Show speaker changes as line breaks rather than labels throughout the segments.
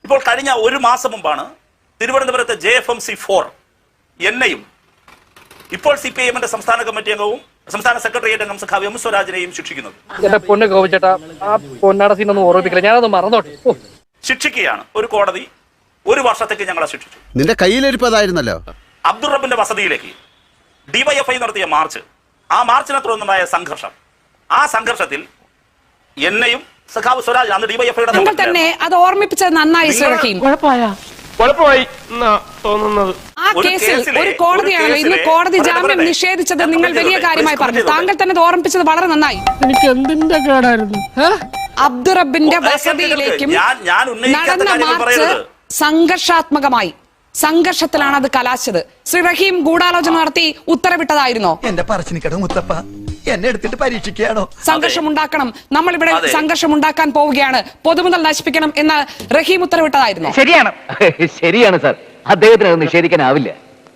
ഇപ്പോൾ കഴിഞ്ഞ ഒരു മാസം മുമ്പാണ് തിരുവനന്തപുരത്തെ JFMC 4 എന്നെയും ഇപ്പോൾ CPIM-ന്റെ സംസ്ഥാന കമ്മിറ്റി അംഗവും സംസ്ഥാന സെക്രട്ടേറിയറ്റ് അംഗം സഖാവ് എം സ്വരാജിനെയും ശിക്ഷിക്കുന്നത്.
എന്റെ പൊന്ന് ഗോപിച്ചേട്ടാ, ആ പൊന്നാട സീനൊന്നും ഓർമ്മിക്കില്ല, ഞാനത് മറന്നോട്ടെ.
ശിക്ഷിക്കുകയാണ് ഒരു കോടതി. 1 വർഷത്തേക്ക് ഞങ്ങളെ ശിക്ഷിച്ചു.
നിന്റെ കയ്യിലിരിപ്പതായിരുന്നല്ലോ.
അബ്ദുൾ റബ്ബിന്റെ വസതിയിലേക്ക് DYFI നടത്തിയ മാർച്ച്, ആ മാർച്ചിനെ തുടർന്നുണ്ടായ സംഘർഷം, ആ സംഘർഷത്തിൽ എന്നെയും സഖാവ് സ്വരാജ് അന്ന് DYFI-യുടെ
നിങ്ങൾ തന്നെ അത് ഓർമ്മിപ്പിച്ചത് നന്നായി റഹീം.
കുഴപ്പമായി തോന്നുന്നത്
ആ കേസിൽ ഒരു കോടതിയാണല്ലോ ഇന്ന് കോടതി ജാമ്യം നിഷേധിച്ചത്. നിങ്ങൾ വലിയ കാര്യമായി പറഞ്ഞു. താങ്കൾ തന്നെ അത് ഓർമ്മിപ്പിച്ചത് വളരെ നന്നായി.
എനിക്ക് എന്തിന്റെ കേടായിരുന്നു?
അബ്ദുൾ റബ്ബിന്റെ വസതിയിലേക്കും നടന്ന മാർച്ച് സംഘർഷാത്മകമായി, സംഘർഷത്തിലാണ് അത് കലാശിച്ചത്. ശ്രീ റഹീം ഗൂഢാലോചന നടത്തി ഉത്തരവിട്ടതായിരുന്നോ?
എന്റെ പറശ്ശിനിക്കടവ് മുത്തപ്പ എന്നെ എടുത്തിട്ട് പരീക്ഷിക്കുകയാണോ?
സംഘർഷം ഉണ്ടാക്കണം, നമ്മൾ ഇവിടെ സംഘർഷം ഉണ്ടാക്കാൻ പോവുകയാണ്, പൊതുമുതൽ നശിപ്പിക്കണം എന്ന് റഹീം ഉത്തരവിട്ടതായിരുന്നു.
ശരിയാണ്, ശരിയാണ് സാർ, അദ്ദേഹത്തിന് അത് നിഷേധിക്കാനാവില്ല.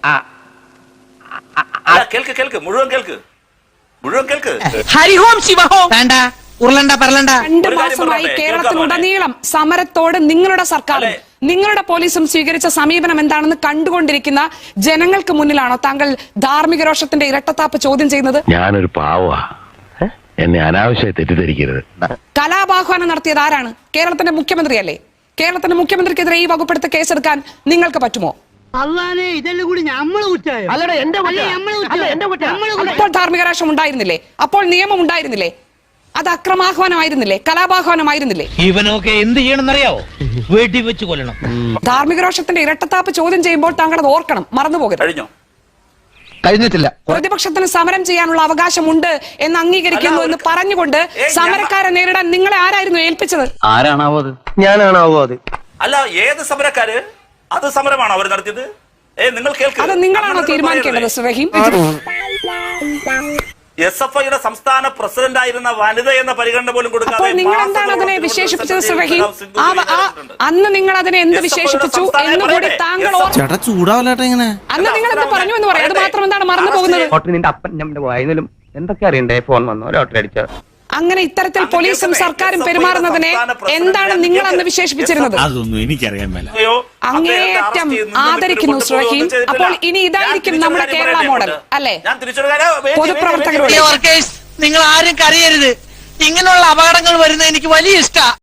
കേൾക്ക് മുഴുവൻ കേൾക്ക്.
ഹരിഹോം ശിവഹോം വേണ്ട, ഉരുളണ്ട പറലണ്ട.
2 മാസമായി കേരളത്തിലുടനീളം സമരത്തോട് നിങ്ങളുടെ സർക്കാരും നിങ്ങളുടെ പോലീസും സ്വീകരിച്ച സമീപനം എന്താണെന്ന് കണ്ടുകൊണ്ടിരിക്കുന്ന ജനങ്ങൾക്ക് മുന്നിലാണോ താങ്കൾ ധാർമ്മിക രോഷത്തിന്റെ ഇരട്ടത്താപ്പ് ചോദ്യം ചെയ്യുന്നത്?
ഞാനൊരു പാവാ, എന്നെ അനാവശ്യമായി തെറ്റിദ്ധരിക്കരുത്.
കലാപാഹ്വാനം നടത്തിയത് ആരാണ്? കേരളത്തിന്റെ മുഖ്യമന്ത്രിയല്ലേ? കേരളത്തിന്റെ മുഖ്യമന്ത്രിക്കെതിരെ ഈ വകുപ്പെടുത്ത കേസെടുക്കാൻ നിങ്ങൾക്ക് പറ്റുമോ? അപ്പോൾ ധാർമ്മിക രോഷം ഉണ്ടായിരുന്നില്ലേ? അപ്പോൾ നിയമം ഉണ്ടായിരുന്നില്ലേ? അത് അക്രമാഹ്വാനമായിരുന്നില്ലേ? കലാപാഹ്വാനമായിരുന്നില്ലേ?
ഇവനൊക്കെ എന്ത് ചെയ്യണമെന്നറിയാവോ? വെടിവെച്ച് കൊല്ലണം.
ധാർമ്മിക രോഷത്തിന്റെ ഇരട്ടത്താപ്പ് ചോദ്യം ചെയ്യുമ്പോൾ താങ്കൾ അത് ഓർക്കണം, മറന്നുപോകരുത്.
കഴിഞ്ഞിട്ടില്ല.
പ്രതിപക്ഷത്തിന് സമരം ചെയ്യാനുള്ള അവകാശമുണ്ട് എന്ന് അംഗീകരിക്കുന്നു എന്ന് പറഞ്ഞുകൊണ്ട് സമരക്കാരെ നേരിടാൻ നിങ്ങളെ ആരായിരുന്നു ഏൽപ്പിച്ചത്?
ആരാണാവോ അത്?
ഞാനാണാവോ അത്?
അല്ല, ഏത് സമരക്കാര്? അത് സമരമാണോ അവർ നടത്തിയത്? നിങ്ങൾ കേൾക്കുക,
അത് നിങ്ങളാണോ തീരുമാനിക്കേണ്ടത് ശ്രീ റഹീം?
SFIയുടെ സംസ്ഥാന പ്രസിഡന്റ് ആയിരുന്ന വനിത എന്ന പരിഗണന പോലും കൊടുക്കാതെ
അപ്പോൾ നിങ്ങൾ എന്താണ് അതിനെ വിശേഷിപ്പിച്ചത് ശ്രീ റഹീം? അന്ന് നിങ്ങൾ അതിനെ എന്ത് വിശേഷിപ്പിച്ചു എന്നുകൂടി താങ്കൾ അന്ന് നിങ്ങൾ എന്ത് പറഞ്ഞു എന്ന് പറയാം. അത് മാത്രം എന്താണ് മറന്നു പോകുന്നത്?
നിന്റെ അപ്പൻ നമ്മുടെ വായനയിലും എന്തൊക്കെ അറിയണ്ടേ? ഫോൺ വന്നോ, ലോട്ടറി അടിച്ചോ?
അങ്ങനെ ഇത്തരത്തിൽ പോലീസും സർക്കാരും പെരുമാറുന്നതിനെ എന്താണ് നിങ്ങൾ അന്ന് വിശേഷിപ്പിച്ചിരുന്നത്?
അതൊന്നും എനിക്കറിയാൻ മേല.
അങ്ങേയറ്റം ആദരിക്കുന്നു ശ്രീ റഹീം. അപ്പോൾ ഇനി ഇതായിരിക്കും നമ്മുടെ കേരള മോഡൽ അല്ലേ? പൊതുപ്രവർത്തകരോട്
നിങ്ങൾ ആരും കരയരുത്. ഇങ്ങനെയുള്ള അപകടങ്ങൾ വരുന്നത് എനിക്ക് വലിയ ഇഷ്ട.